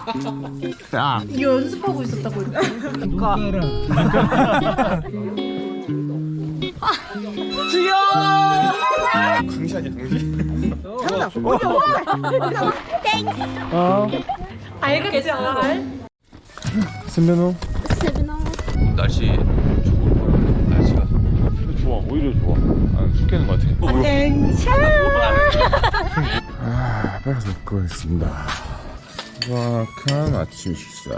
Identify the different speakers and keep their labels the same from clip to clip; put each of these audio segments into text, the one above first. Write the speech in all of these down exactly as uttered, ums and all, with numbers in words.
Speaker 1: 야,
Speaker 2: 이거 연습하고 있었다고 이렇게. 그러니까.
Speaker 1: 강시 아니야, 강시?
Speaker 2: 어. 알겠지, 알.
Speaker 1: 선배노? 날씨 좋고 날씨가 좋아, 오히려 좋아. 아, 술 깨는 것 같아.
Speaker 2: 땡차.
Speaker 1: 아, 빨리 가서 먹고 가겠습니다. 수박한 아침 식사.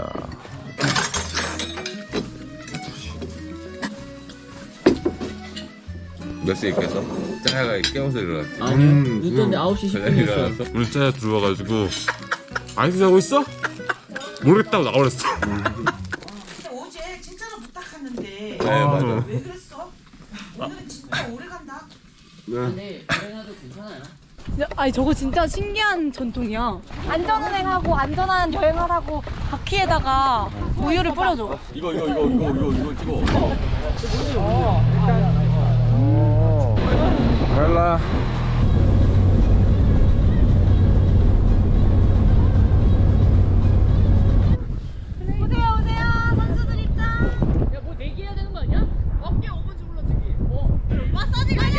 Speaker 3: 몇 시에 깼어? 짜야가 깨워서 일어났지.
Speaker 4: 아니
Speaker 1: 음,
Speaker 4: 늦었는데 아홉 시 십 분이었어.
Speaker 3: 일어났어?
Speaker 1: 오늘 짜야 들어와가지고 아이스 자고 있어? 모르겠다고 나가버렸어.
Speaker 5: 어제 진짜로 부탁하는데
Speaker 3: 네, 맞아.
Speaker 5: 왜 그랬어? 오늘은 진짜 오래 간다.
Speaker 4: 근데 여행하도 괜찮아요.
Speaker 2: 아니 저거 진짜 신기한 전통이야. 안전운행하고 안전한 여행하라고 바퀴에다가 우유를 뿌려줘.
Speaker 3: 이거 이거 이거 이거 이거 이거 찍어.
Speaker 1: 헬라.
Speaker 2: 오세요 오세요 선수들 입장.
Speaker 4: 야뭐 내기해야 되는 거 아니야? 어깨 오 분 주물러주기. 어.
Speaker 2: 마사지 가자.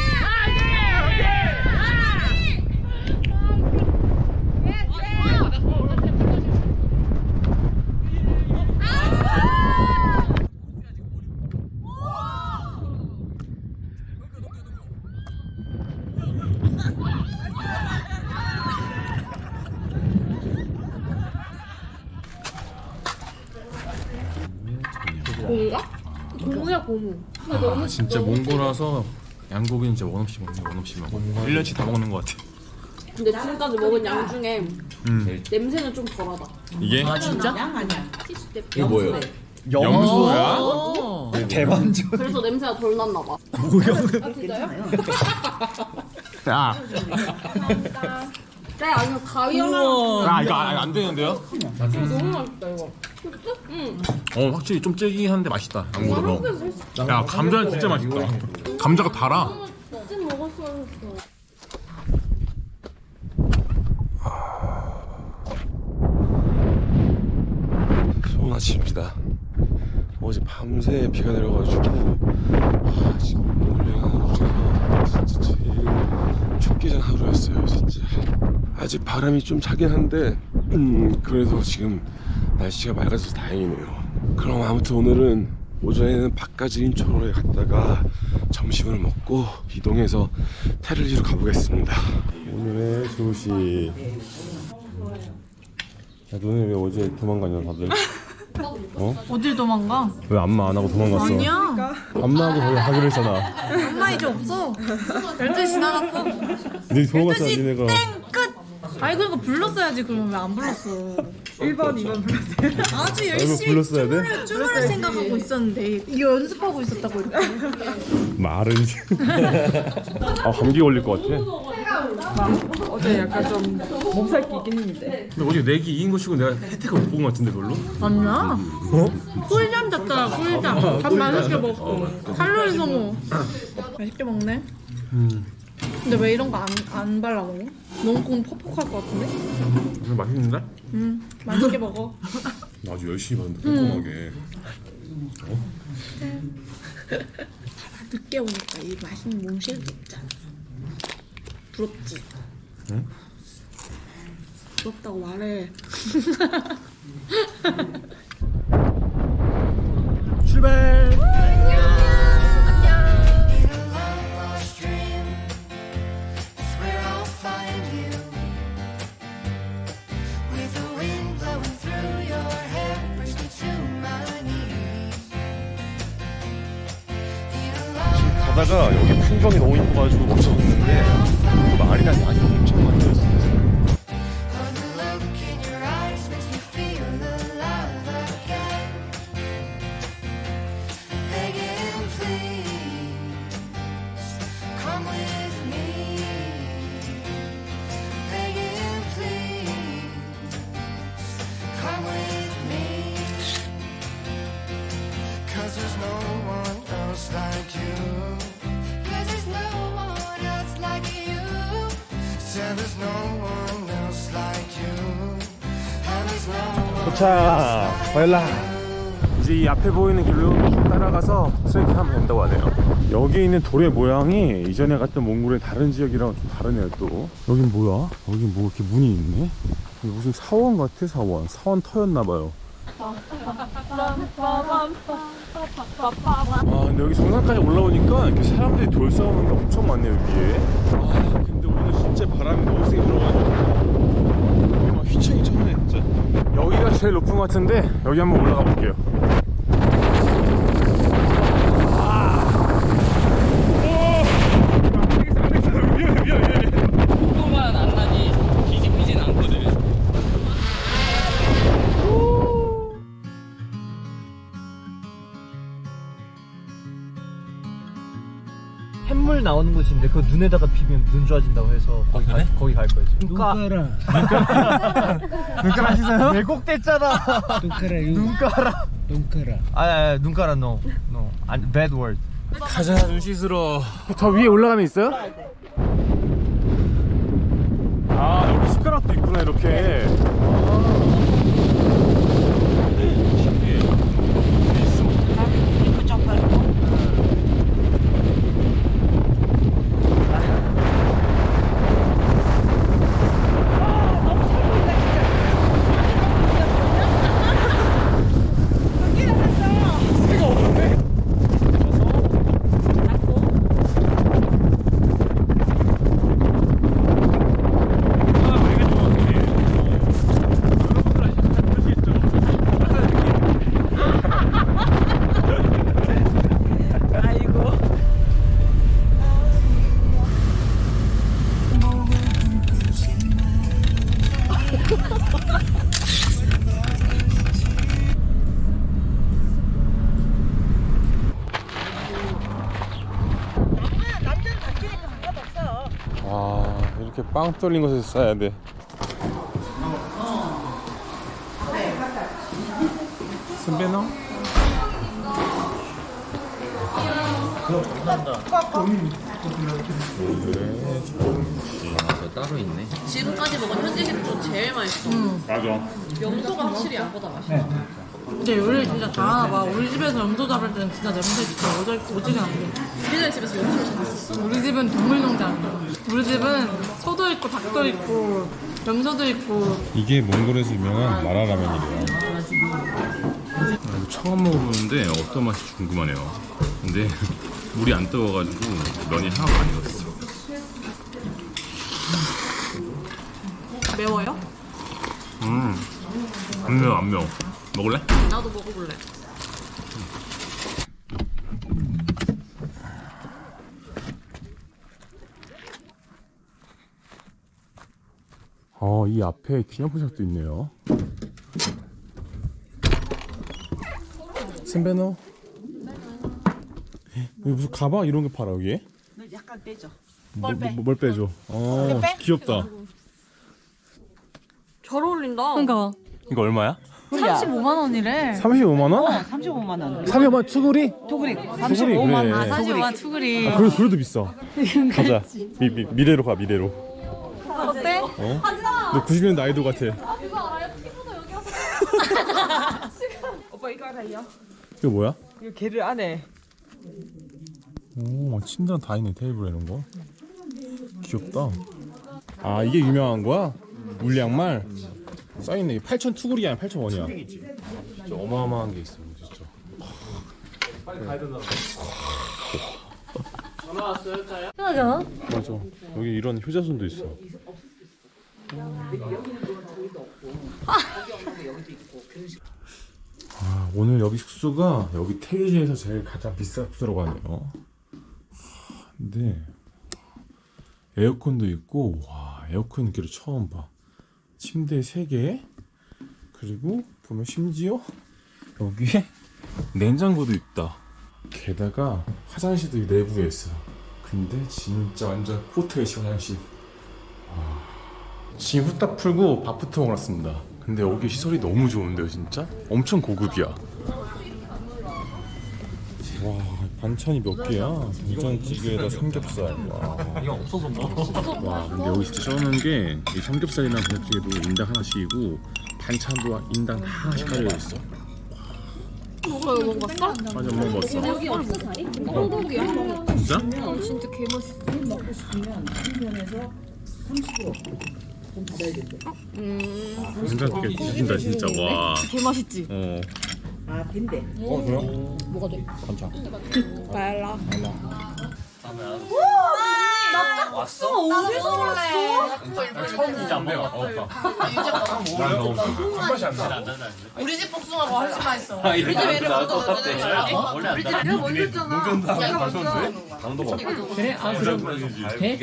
Speaker 6: 고무야 고무.
Speaker 1: 아, 진짜 몽골라서 양고기는 진짜 원 없이 먹네, 원 없이 먹어. 일 년치 다 먹는 것 같아.
Speaker 6: 근데 지금까지 먹은 양 중에
Speaker 1: 음.
Speaker 6: 냄새는 좀 덜하다.
Speaker 1: 이게
Speaker 4: 아 진짜?
Speaker 5: 양 아니야.
Speaker 3: 이거 뭐예요?
Speaker 1: 염소야?
Speaker 7: 대반전.
Speaker 6: 그래서 냄새가 덜 났나 봐.
Speaker 1: 야,
Speaker 6: 네 아니요 가위 하나.
Speaker 1: 야 이거 안, 안 되는데요?
Speaker 6: 너무 맛있다 이거.
Speaker 1: 어, 확실히 좀 찌기한데 맛있다. 양고기가. 야, 감자는 진짜 맛있다. 감자가 달아.
Speaker 6: 찜 먹었어야 했어.
Speaker 3: 좋은 아침입니다. 어제 밤새 비가 내려가지고 아, 지금 오늘 여행하는 중에서 진짜 제일 춥기 전 하루였어요. 진짜 아직 바람이 좀 차긴 한데 음, 그래도 지금 날씨가 맑아져서 다행이네요. 그럼 아무튼 오늘은 오전에는 바까지 인초로에 갔다가 점심을 먹고 이동해서 테를리로 가보겠습니다. 오늘의 소식. 야, 너네 왜 어제 도망가냐 다들? 어?
Speaker 2: 어딜 도망가?
Speaker 1: 왜 안마 안 하고 도망갔어?
Speaker 2: 아니야.
Speaker 1: 안마하고 거기 하기로 했잖아.
Speaker 2: 엄마 이제 없어. 열두 시 지나갔어.
Speaker 1: 네 도망갔잖아,
Speaker 2: 열두 시
Speaker 1: 니네가.
Speaker 2: 땡 끝. 아이 그러니까 불렀어야지. 그러면 왜 안 불렀어?
Speaker 7: 일 번, 이 번 불렀어요.
Speaker 2: 아주
Speaker 1: 이거
Speaker 2: 열심히
Speaker 1: 불렀어야 돼?
Speaker 2: 춤을 생각하고 있었는데 이거 연습하고 있었다고 이렇게.
Speaker 1: 말은. 아, 감기 걸릴 것 같아.
Speaker 7: 어제 약간 좀 몸살 끼긴 했는데.
Speaker 1: 근데 어제 내기 이긴 거 치고 내가 혜택을 못 본 것 같은데 별로?
Speaker 2: 아니야.
Speaker 1: 어?
Speaker 2: 꿀잠 잤잖아. 꿀잠. 밥 맛있게 먹고. 칼로리 소모. 맛있게 먹네.
Speaker 1: 음.
Speaker 2: 근데 왜 이런 거 안 안 발라 먹어? 너무 콩 퍽퍽할 것 같은데?
Speaker 1: 오늘 맛있는데?
Speaker 2: 응. 맛있게 먹어.
Speaker 1: 나 아주 열심히 봤는데 꼼꼼하게.
Speaker 2: 늦게 오니까 이 맛있는 몽쉘이 있잖아. 부럽지?
Speaker 1: 응?
Speaker 2: 부럽다고 말해.
Speaker 1: 출발! 가다가 여기 풍경이 너무 이뻐가지고 멈춰섰는데 그 말이랑 양이 엄청 많이 들었어요.
Speaker 8: There's no
Speaker 3: 도착. 바일라. 이제 이 앞에 보이는 길로 따라가서 트레킹하면 된다고 하네요. 여기 있는 돌의 모양이 이전에 갔던 몽골의 다른 지역이랑 좀 다르네요. 또 여긴 뭐야? 여긴 뭐 이렇게 문이 있네? 여기 무슨 사원 같아. 사원 사원 터였나봐요. 아 근데 여기 정상까지 올라오니까 이렇게 사람들이 돌 싸우는 게 엄청 많네요 여기에. 아 근데 오늘 진짜 바람이 너무 세게 불어가지고 막 휘청휘청하네 진짜. 여기가 제일 높은 것 같은데 여기 한번 올라가 볼게요.
Speaker 8: 속도만 안 나지 뒤집히진 않거든.
Speaker 9: 햇물 나오는 곳인데 그 눈에다가 비비면 눈 좋아진다고 해서 거기 갈, 거기 갈 거예요. 눈가 눈가라 눈가라 하시나요? 왜곡됐잖아. 눈가라 눈가라 눈가라 아니 아니 눈가라 no no 아니 bad word.
Speaker 3: 가자 눈 씻으러. 저 위에 올라가면 있어요? 아 여기 숟가락도 있구나 이렇게. 신기해. 있어. 와 이렇게 빵 뚫린 곳에서 싸야 돼. 선배너?
Speaker 8: 따로 있네.
Speaker 4: 지금까지 먹은 현지식 중 제일 맛있어.
Speaker 1: 맞아.
Speaker 4: 염소가 확실히 양보다 맛있어.
Speaker 2: 근데 요리를 진짜 잘하나 봐. 우리 집에서 염소 잡을 때는 진짜 냄새 진짜 오지, 오지게 안 돼.
Speaker 4: 우리네 집에서 염소를 잡았어.
Speaker 2: 우리 집은 동물농장. 우리 집은 소도 있고 닭도 있고 염소도 있고.
Speaker 3: 이게 몽골에서 유명한 마라라면이래요.
Speaker 1: 이거 처음 먹어보는데 어떤 맛이 궁금하네요. 근데 물이 안 뜨거워가지고 면이 하나도 안 익었어.
Speaker 2: 매워요?
Speaker 1: 음, 안 매워 안 매워. 먹을래?
Speaker 4: 나도 먹어볼래.
Speaker 3: 어, 이 앞에 기념포샵도 있네요. 선배너? 여기 무슨 가방 이런 게 팔아 여기?
Speaker 5: 약간 빼줘.
Speaker 3: 뭘 빼? 뭘 빼줘? 어, 귀엽다.
Speaker 6: 잘 어울린다.
Speaker 2: 그러니까
Speaker 3: 이거 얼마야?
Speaker 2: 삼십오만 원이래.
Speaker 3: 삼십오만 원?
Speaker 5: 삼십오만 원.
Speaker 3: 삼십오만 원 투구리?
Speaker 5: 도그리
Speaker 3: 투구리
Speaker 5: 삼십오만
Speaker 3: 그래.
Speaker 5: 원.
Speaker 2: 사십오만 원 투구리.
Speaker 3: 아, 그래도, 그래도 비싸. 가자. 미, 미, 미래로 가 미래로.
Speaker 2: 어때?
Speaker 3: 어? 너 구십 년 나이도 같아.
Speaker 7: 오빠 이거 알아요?
Speaker 3: 이거 뭐야?
Speaker 7: 이거 게를 안에
Speaker 3: 오, 침대랑 다 있네. 테이블에 이런 거. 귀엽다. 아, 이게 유명한 거야? 물량말? 써있네. 팔천 투구리야, 팔천 원이야. 진짜 어마어마한 게 있어, 진짜. 빨리 가야 된다.
Speaker 6: 전화 왔어요, 짜야?
Speaker 2: 편하잖아.
Speaker 3: 맞아. 여기 이런 효자손도 있어. 아, 오늘 여기 숙소가 여기 태리지에서 제일 가장 비싼 숙소라고 하네요. 근데 에어컨도 있고, 와, 에어컨 기를 처음 봐. 침대 세 개, 그리고 보면 심지어 여기에 냉장고도 있다. 게다가 화장실도 이 내부에 있어. 근데 진짜 완전 호텔식 화장실. 와, 짐 후딱 풀고 밥부터 먹었습니다. 근데 여기 시설이 너무 좋은데요, 진짜? 엄청 고급이야. 와, 반찬이 몇 개야? 된장찌개에다 삼겹살. 와.
Speaker 9: 이거 없어서 뭐.
Speaker 1: 와 근데 여기 진짜 쩌는 게 이 삼겹살이나 된장찌개도 인당 하나씩이고 반찬도 인당 하나씩 가지고 있어.
Speaker 6: 먹어 이거 먹어봤어?
Speaker 1: 아니 안 먹어봤어.
Speaker 6: 여기 없어 자리? 한국이야.
Speaker 1: 진짜?
Speaker 6: 어 진짜 개맛있어.
Speaker 5: 먹고 싶으면 한편에서 삼십
Speaker 6: 음.
Speaker 1: 괜찮게 드신다 진짜. 와.
Speaker 6: 개맛있지?
Speaker 1: 어.
Speaker 5: 아 된대.
Speaker 1: 어 그래요?
Speaker 6: 뭐가 돼?
Speaker 1: 반찬.
Speaker 2: 말라.
Speaker 8: 왔어?
Speaker 6: 어디서 왔어?
Speaker 8: 처음 진짜 안 매워.
Speaker 1: 어, 난 너무 한 맛이 안 나.
Speaker 2: 우리 집 복숭아가 훨씬 맛있어.
Speaker 8: 아, 이렇게
Speaker 2: 우리 집 애를
Speaker 8: 나올 것
Speaker 2: 먹어도
Speaker 8: 같아.
Speaker 2: 되는
Speaker 8: 어, 원래 안 나.
Speaker 2: 내가 먼저 했잖아.
Speaker 1: 농전다 가셨는데?
Speaker 3: 당도가
Speaker 8: 그래? 아, 그럼 돼?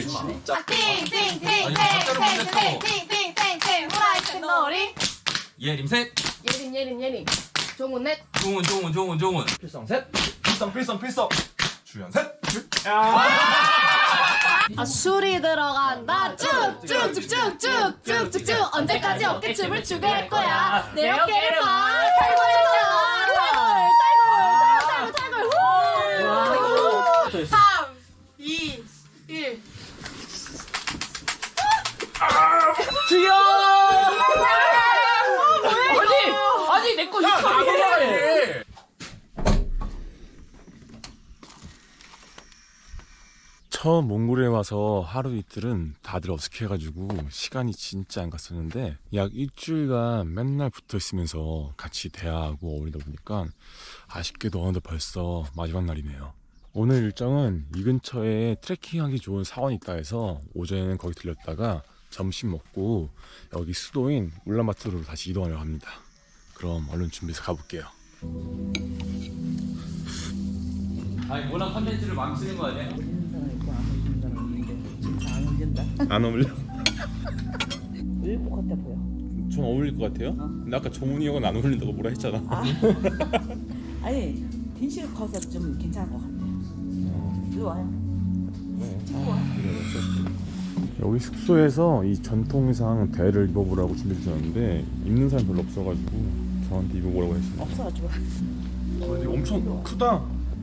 Speaker 2: 팅팅팅팅팅팅팅팅팅팅팅 후라이팬 놀이.
Speaker 8: 예림 셋.
Speaker 6: 예린 예린 예린. 종훈 넷.
Speaker 8: 종훈 종훈 종훈 종훈.
Speaker 3: 필성 셋 필성 필성 필성 주연 셋
Speaker 6: 아 술이 들어간다. 쭉쭉쭉쭉쭉쭉쭉 언제까지 어깨춤을 추게 할 거야? 내 어깨를 봐. 탈골했잖아. 탈골 탈골 탈골 탈골.
Speaker 2: 삼, 이, 일.
Speaker 8: 아니 내 거 이렇게.
Speaker 3: 처음 몽골에 와서 하루 이틀은 다들 어색해가지고 시간이 진짜 안 갔었는데 약 일주일간 맨날 붙어 있으면서 같이 대화하고 어울리다 보니까 아쉽게도 어느덧 벌써 마지막 날이네요. 오늘 일정은 이 근처에 트레킹하기 좋은 사원이 있다 해서 오전에는 거기 들렸다가 점심 먹고 여기 수도인 울란바토르로 다시 이동하려고 합니다. 그럼 얼른 준비해서 가볼게요.
Speaker 8: 아니 워낙 컨텐츠를 망치는 거 아니야?
Speaker 1: 안 어울려?
Speaker 5: 왜 똑같아 보여?
Speaker 1: 전 어울릴 것 같아요. 근데 아까 정훈이 형은 안 어울린다고 뭐라 했잖아.
Speaker 5: 아니 딘씨가 커서 좀 괜찮을 것 같아. 이리 와요.
Speaker 3: 여기 숙소에서 이 전통상 대를 입어보라고 준비해 주셨는데 입는 사람 별로 없어가지고 저한테 입어보라고 했어요.
Speaker 5: 없어가지고.
Speaker 1: 아, 이거 엄청 크다.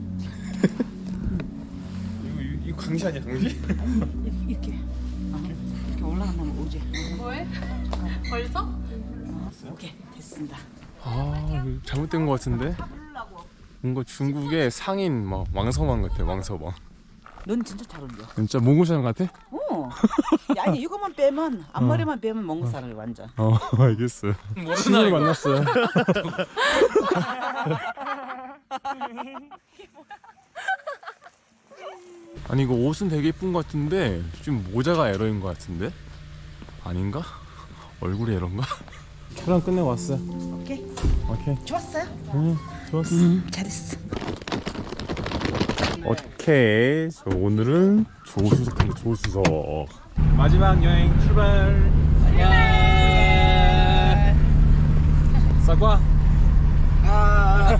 Speaker 1: 이거, 이거, 이거 강시 아니야 강시?
Speaker 5: 이렇게 이렇게, 아, 이렇게 올라간다면 오지.
Speaker 2: 뭐해? 벌써?
Speaker 5: 오케이 됐습니다.
Speaker 3: 아 이거 잘못된 것 같은데? 뭔가 중국의 상인 막 왕서방 같아. 왕서방.
Speaker 5: 넌 진짜 잘 어울려.
Speaker 3: 진짜 몽골 사람 같아?
Speaker 5: 어. 아니 이거만 빼면 앞머리만 빼면 몽골 사람이 완전.
Speaker 3: 어 알겠어요. 친구를 만났어요. 아니 이거 옷은 되게 예쁜 것 같은데 지금 모자가 에러인 것 같은데? 아닌가? 얼굴이 에러인가? 촬영 끝내고 왔어요.
Speaker 5: 오케이.
Speaker 3: 오케이.
Speaker 5: 좋았어요?
Speaker 3: 응 좋았어.
Speaker 5: 잘했어.
Speaker 3: 오케이. 저 오늘은 조수석인데 조수석.
Speaker 1: 마지막 여행 출발. 안녕. 사과.
Speaker 5: 아.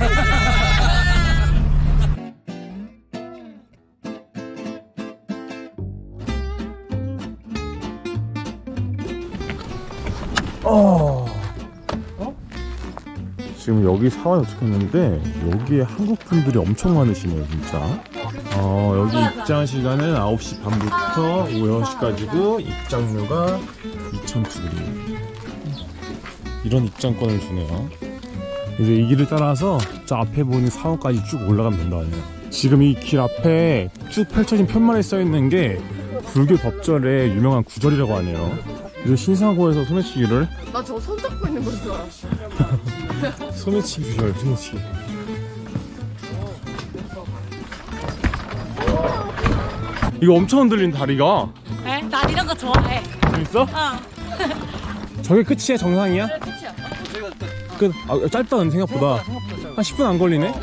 Speaker 3: 어. 어? 지금 여기 사원에 도착했는데 여기에 한국 분들이 엄청 많으시네요 진짜. 어, 여기 입장 시간은 아홉 시 반부터 오후 여섯 시까지고 입장료가 이천 투리. 이런 입장권을 주네요. 이제 이 길을 따라서 저 앞에 보이는 사원까지 쭉 올라가면 된다고 해요. 지금 이 길 앞에 쭉 펼쳐진 편말에 써있는 게 불교 법절의 유명한 구절이라고 하네요. 이제 신사고에서 소매치기를
Speaker 6: 나 저거 손 잡고 있는 건 줄 알았어.
Speaker 3: 소매치기 구절 소매치기. 이거 엄청 흔들린 다리가.
Speaker 2: 에? 난 이런 거 좋아해.
Speaker 3: 재밌어?
Speaker 2: 어.
Speaker 3: 저게 끝이야? 정상이야?
Speaker 6: 그래 끝이야.
Speaker 3: 끝. 아, 짧다 근데 생각보다. 한 십 분 안 걸리네?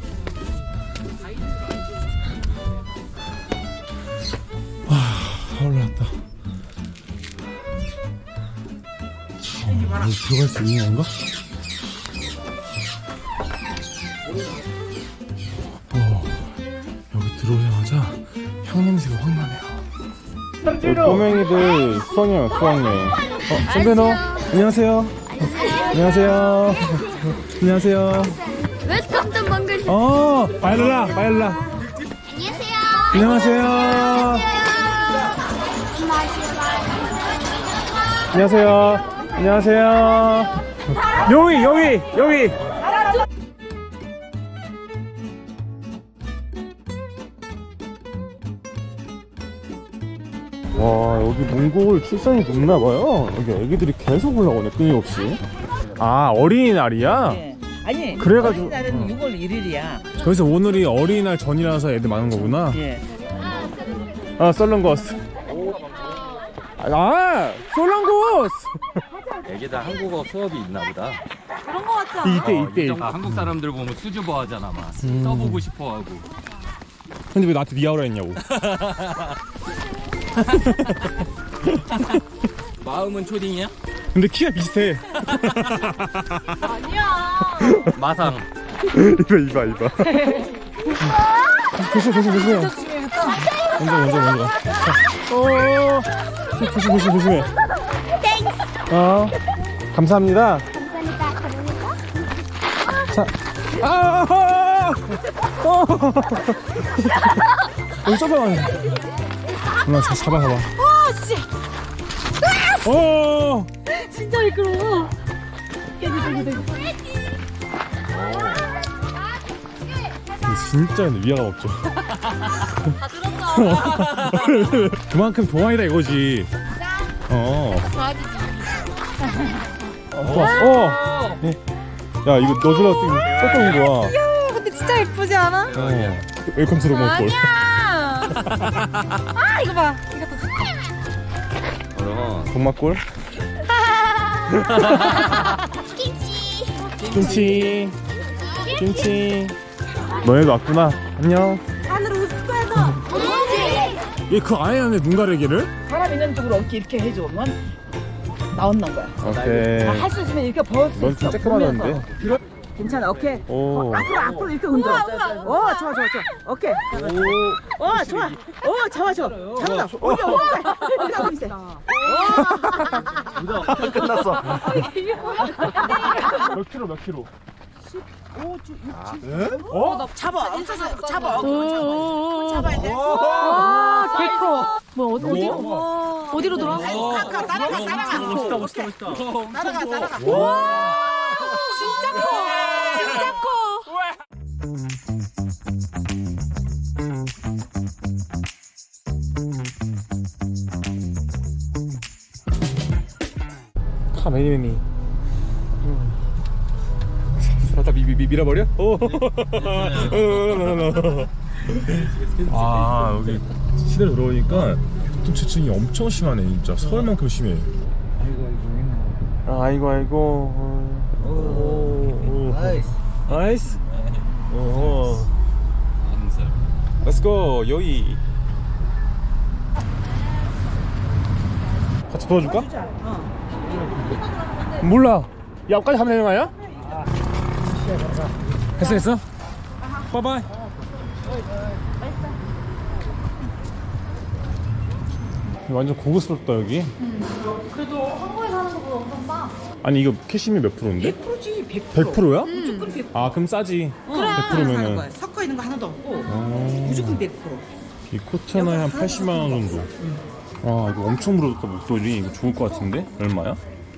Speaker 3: 와, 올라왔다. 어, 여기 들어갈 수 있는 건가? 어, 여기 들어오자마자 향 냄새가 확 나네요. 우리 꼬맹이들 수학여행, 수학여행. 어, 선배너 안녕하세요. 안녕하세요. 안녕하세요.
Speaker 6: 웰컴 투 몽골.
Speaker 3: 어, 바일라, 바일라.
Speaker 6: 안녕하세요.
Speaker 3: 안녕하세요. 안녕하세요. 안녕하세요.
Speaker 1: 여기 여기 여기. 와 여기 몽골 출산이 높나봐요. 여기 애기들이 계속 올라오네 끊임없이. 아 어린이날이야?
Speaker 5: 네. 아니
Speaker 1: 그래가지고-
Speaker 5: 어린이날은
Speaker 1: 어.
Speaker 5: 유월 일일이야.
Speaker 1: 그래서 오늘이 어린이날 전이라서 애들 많은 거구나.
Speaker 5: 예.
Speaker 1: 아 썰렁거스. 아 썰렁거스.
Speaker 8: 애기다 한국어 수업이 있나 보다.
Speaker 6: 그런 거 같지 않아?
Speaker 1: 이때
Speaker 8: 어,
Speaker 1: 이때.
Speaker 8: 이 정도 한국 사람들 보면 수줍어 하잖아 막.
Speaker 1: 음.
Speaker 8: 써보고 싶어 하고.
Speaker 1: 근데 왜 나한테 미아오라 했냐고.
Speaker 8: 마음은 초딩이야?
Speaker 1: 근데 키가 비슷해.
Speaker 6: 아니야.
Speaker 8: 마상.
Speaker 1: 이봐 이봐 이봐. 조심 조심 조심해. 먼저 먼저 먼저. 어. 조심 조심 조심해. 어. 감사합니다. 자. 아. 어. 여기 잠깐만. 누나 저 잡아 잡아.
Speaker 6: 아 씨.
Speaker 1: 어.
Speaker 6: 진짜 미끄러워.
Speaker 1: 진짜 근데 위화감 없죠.
Speaker 6: 다 들었어.
Speaker 1: 그만큼 동안이다 이거지. 어.
Speaker 6: 좋아지지.
Speaker 1: 어, 좋았어. 어. 네. 야 이거 너줄라 떴던 거야.
Speaker 6: 야, 근데 진짜 예쁘지 않아?
Speaker 1: 어. 웰컴 투 로몬골.
Speaker 6: 아니야. 아 이거 봐. 이것도 좋다.
Speaker 8: 어.
Speaker 1: 동막골.
Speaker 6: 김치.
Speaker 1: 김치. 김치. 너네도 왔구나. 안녕.
Speaker 6: 안으로 웃을 거야 너.
Speaker 1: 얘 그 아예 안에 눈 가리기를?
Speaker 5: 사람 있는 쪽으로 어깨 이렇게 해주면 나온는 거야.
Speaker 1: 오케이.
Speaker 5: 할 수 있으면 이렇게 벌 수
Speaker 1: 넌
Speaker 5: 있어.
Speaker 1: 진짜
Speaker 5: 보면서.
Speaker 1: 끄만한데.
Speaker 5: 들어. 괜찮아. 오케이.
Speaker 1: 오.
Speaker 5: 앞으로 앞으로 이렇게 흔들어. 어, 좋아 좋아 좋아. 오케이. 어, 좋아. 어, 좋아 좋아. 잘한다. 올려 올려. 올려 있어.
Speaker 1: 끝났어. 몇 킬로 몇 킬로? 어?
Speaker 5: 잡아. 잡아.
Speaker 2: 오.
Speaker 5: 잡아야 돼.
Speaker 2: 와, 개커. 뭐 어디 어디로 어디로 돌아?
Speaker 5: 따라가 따라가 따라가.
Speaker 8: 멋있다 멋있다 멋있다.
Speaker 5: 따라가 따라가.
Speaker 2: 진짜 커. 진짜 커.
Speaker 1: 카메니메니. 살짝 미, 미, 밀어버려? 오. 아 여기 시내로 들어오니까 교통체증이 엄청 심하네 진짜. 서울만큼 심해. 아, 아이고 아이고. 오, 나이스. 나이스. 오. Let's go 여기. 같이 도와줄까? 몰라. 옆까지 가면 되는 거 아니야? 됐어 됐어. 빠바이. 완전 고급스럽다 여기.
Speaker 6: 그래도 한국에 사는 것보다 엄청 싸.
Speaker 1: 아니 이거 캐시미 몇 프로인데?
Speaker 5: 백 퍼센트지 백 퍼센트.
Speaker 1: 백 프로야?
Speaker 5: 무조건 백 퍼센트.
Speaker 1: 아 그럼 싸지.
Speaker 5: 그래.
Speaker 1: 백 프로면은.
Speaker 5: 거야. 섞어 있는 거 하나도 없고
Speaker 1: 어.
Speaker 5: 무조건 백 퍼센트.
Speaker 1: 이 코트 하나에 한 팔십만 원 정도. 아 이거 엄청 부러졌다 목소리. 이거 좋을 것 같은데? 얼마야?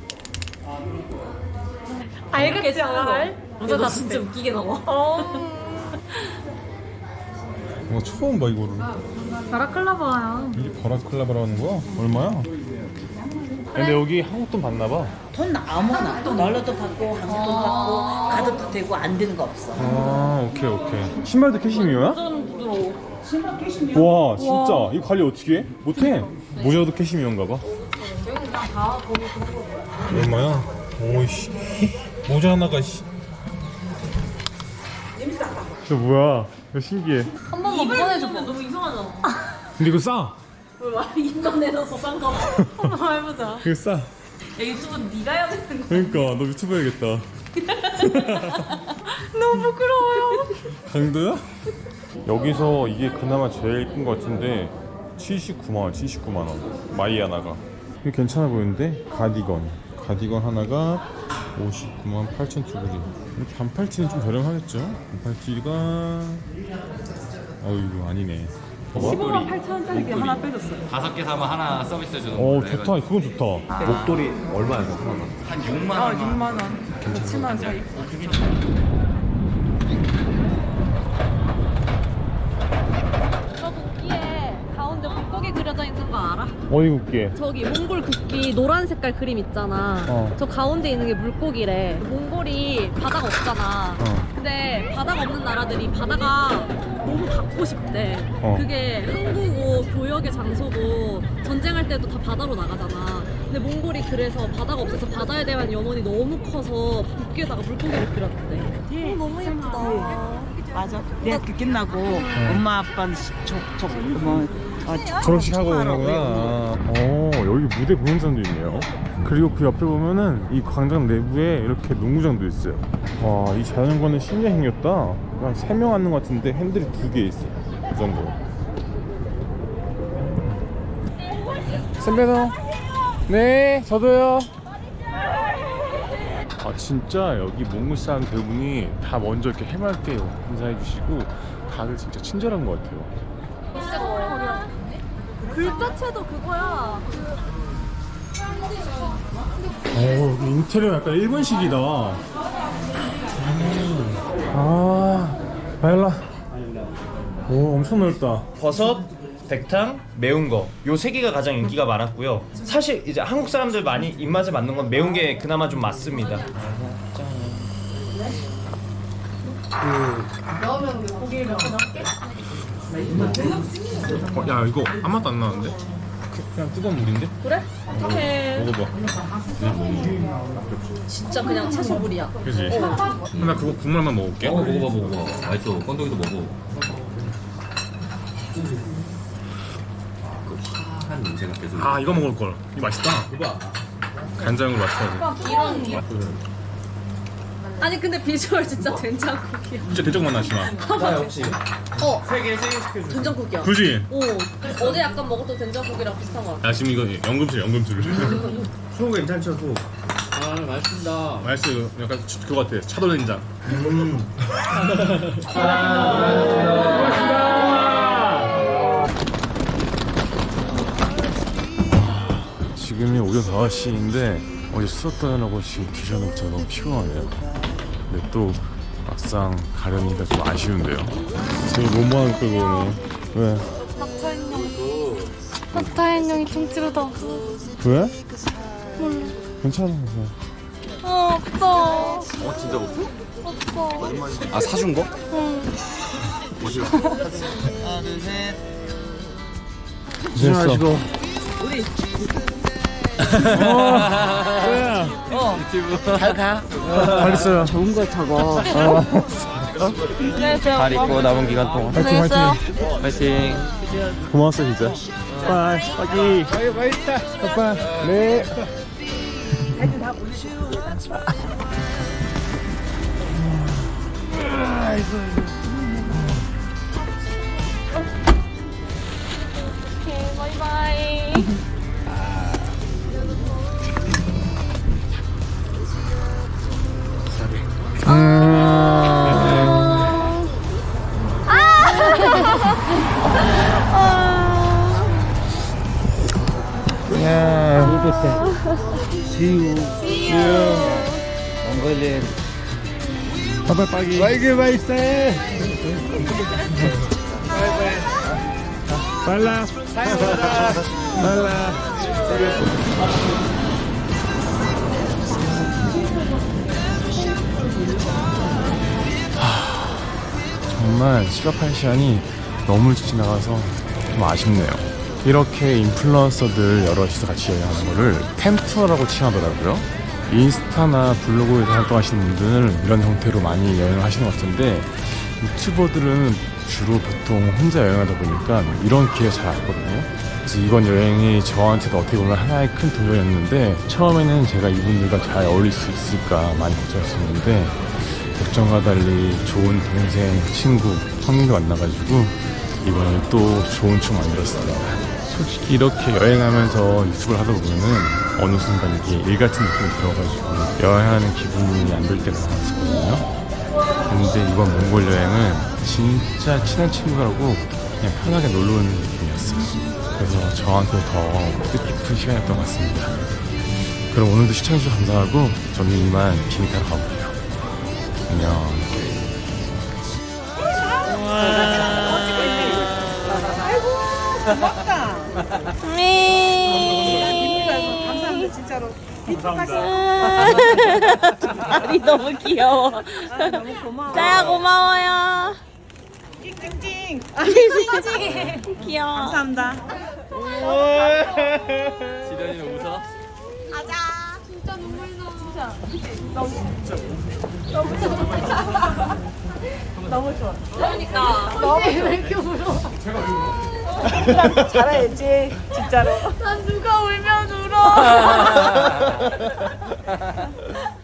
Speaker 6: 알겠지 알. 너 진짜 웃기게 나와.
Speaker 1: 와 처음 봐 이거를.
Speaker 6: 바라클라바야.
Speaker 1: 이게 바라클라바라는 거야? 얼마야? 근데 여기 한국 돈 받나 봐.
Speaker 5: 돈 아무나 달러도 받고 한국도 받고 가도 되고 안 되는 거 없어.
Speaker 1: 아 오케이 오케이. 신발도 캐시미어야?
Speaker 5: 신발 캐시미어.
Speaker 1: 와 진짜 이거 관리 어떻게 해? 못해. 모자도 캐시미어인가 봐. 얼마야? 오이씨 모자 하나가 씨. 저 뭐야? 이거 신기해.
Speaker 6: 한 번만 보내줘봐. 너무 이상하잖아.
Speaker 1: 근데 이거 싸.
Speaker 6: 인간 내놔서 싼 거. 한번 해보자.
Speaker 1: 이거 싸.
Speaker 6: 야 유튜브는 네가 해야 되는 거.
Speaker 1: 그러니까 너 유튜브 해야겠다.
Speaker 6: 너무 부끄러워요.
Speaker 1: 강도야? 여기서 이게 그나마 제일 예쁜 것 같은데 칠십구만 원, 칠십구만 원. 마이 하나가. 이거 괜찮아 보이는데? 가디건. 가디건 하나가 오십구만 팔천투구리. 반팔티는 좀 저렴하겠죠? 반팔티가 어이구 아니네.
Speaker 7: 십오만 팔천 원짜리 하나 빼줬어요.
Speaker 8: 다섯 개 사면 하나 서비스 주는
Speaker 1: 어
Speaker 8: 거예요.
Speaker 1: 좋다. 그건 좋다.
Speaker 3: 목도리 얼마예요? 하나가?
Speaker 8: 한 육만
Speaker 7: 아,
Speaker 8: 원.
Speaker 7: 육만 원. 칠만 원 사이.
Speaker 6: 저 국기에 가운데 물고기 그려져 있는 거 알아?
Speaker 1: 어디 국기에?
Speaker 6: 저기 몽골 국기 노란 색깔 그림 있잖아.
Speaker 1: 어.
Speaker 6: 저 가운데 있는 게 물고기래. 몽골이 바다가 없잖아.
Speaker 1: 어.
Speaker 6: 근데 바다가 없는 나라들이 바다가 너무 갖고 싶대.
Speaker 1: 어.
Speaker 6: 그게 항구고 교역의 장소고 전쟁할 때도 다 바다로 나가잖아. 근데 몽골이 그래서 바다가 없어서 바다에 대한 연원이 너무 커서 국기에다가 물고기를 그렸대. 어, 너무 예쁘다.
Speaker 5: 맞아. 대학교 끝나고 엄마 아빠는 저저뭐
Speaker 1: 졸업식 하고 오는구나. 어 여기 무대 공연장도 있네요. 그리고 그 옆에 보면은 이 광장 내부에 이렇게 농구장도 있어요. 와 이 자전거는 신기하게 생겼다. 한 세 명 앉는 것 같은데 핸들이 두 개 있어. 그 정도. 선배도. 네 저도요. 아 진짜 여기 몽골 사람 대부분이 다 먼저 이렇게 해맑게 인사해 주시고 다들 진짜 친절한 것 같아요.
Speaker 6: 글자체도 그거야.
Speaker 1: 어, 여기 인테리어 약간 일본식이다. 아, 바일라. 오, 엄청 넓다.
Speaker 9: 버섯, 백탕, 매운 거. 요 세 개가 가장 인기가 많았고요. 사실 이제 한국 사람들 많이 입맛에 맞는 건 매운 게 그나마 좀 맞습니다.
Speaker 1: 어, 야, 이거 아무 맛도 안 나는데? 그냥 뜨거운 물인데?
Speaker 6: 그래? 어떡해.
Speaker 1: 먹어봐.
Speaker 6: 진짜 그냥 채소물이야.
Speaker 1: 그지? 나 그거 국물 한번 먹을게.
Speaker 8: 어 먹어봐 먹어봐. 맛있어. 건더기도 먹어. 그 화한 냄새가 계속.
Speaker 1: 아, 이거 먹을 걸. 이거 맛있다. 간장으로 맞춰야 돼.
Speaker 6: 이런 이 아니 근데 비주얼 진짜 된장국이야.
Speaker 1: 진짜 대적 맛 나지 마.
Speaker 9: 나 역시
Speaker 6: 어
Speaker 9: 세 개, 세 개 시켜줘.
Speaker 6: 된장국이야.
Speaker 1: 그지?
Speaker 6: 오 어제 약간 먹었던 된장국이랑 비슷한 거 같아.
Speaker 1: 야, 지금 이거 연금술, 연금술.
Speaker 9: 소 괜찮죠, 소?
Speaker 8: 아 맛있습니다.
Speaker 1: 맛있어. 이거 약간 그거 같아. 차돌된장. 지금이 오전 다섯 시인데 어제 수업 다녀고 지금 뒤져놓고 제가 너무 피곤하네요. 근데 또 막상 가려니까 좀 아쉬운데요. 저기 뭐뭐하는 끌고 오네. 왜?
Speaker 6: 낙타인형이 통째로다.
Speaker 1: 왜? 괜찮아. 그냥.
Speaker 6: 어 없어.
Speaker 3: 어 진짜 없어?
Speaker 6: 없어.
Speaker 3: 아 사준 거?
Speaker 6: 응.
Speaker 5: 하나 둘 셋.
Speaker 1: 조심하시고.
Speaker 5: 잘 가.
Speaker 1: 잘 있어요.
Speaker 5: 좋은 거 적어.
Speaker 9: 잘 있고 남은 기간 동안.
Speaker 1: 파이팅 파이팅.
Speaker 9: 파이팅.
Speaker 1: 고마웠어 진짜. 빠이 빠이. 빠이 맛있다. 빠빠. 네.
Speaker 6: 오케이 바이바이.
Speaker 1: 빠빠 빠기. 빠이기 맛있어. 빨라. 빨라. 정말 시각한 시간이 너무 일찍 지나가서 좀 아쉽네요. 이렇게 인플루언서들 여럿이서 같이 여행하는 거를 템투어라고 칭하더라고요. 인스타나 블로그에서 활동하시는 분들은 이런 형태로 많이 여행을 하시는 것 같은데 유튜버들은 주로 보통 혼자 여행하다 보니까 이런 기회가 잘 없거든요. 그래서 이번 여행이 저한테도 어떻게 보면 하나의 큰 도전이었는데 처음에는 제가 이분들과 잘 어울릴 수 있을까 많이 걱정했었는데 걱정과 달리 좋은 동생, 친구, 형님도 만나가지고 이번에 또 좋은 추억 만들었습니다. 솔직히 이렇게 여행하면서 유튜브를 하다 보면은 어느 순간 이게 일 같은 느낌이 들어가지고 여행하는 기분이 안 들 때가 많았거든요. 근데 이번 몽골 여행은 진짜 친한 친구라고 그냥 편하게 놀러 오는 느낌이었어요. 그래서 저한테 더 뜻깊은 시간이었던 것 같습니다. 그럼 오늘도 시청해주셔서 감사하고 저는 이만 비행기 타러 가볼게요. 안녕.
Speaker 5: 고맙다.
Speaker 6: 미.
Speaker 5: 감사합니다 진짜로.
Speaker 6: 다리 너무 귀여워.
Speaker 5: 너무 고마워.
Speaker 6: 짜야 고마워요.
Speaker 5: 찡찡찡.
Speaker 6: 귀여워.
Speaker 5: 감사합니다.
Speaker 8: 지련이는 웃어?
Speaker 5: 잘해야지 진짜로.
Speaker 2: 난 누가 울면 울어.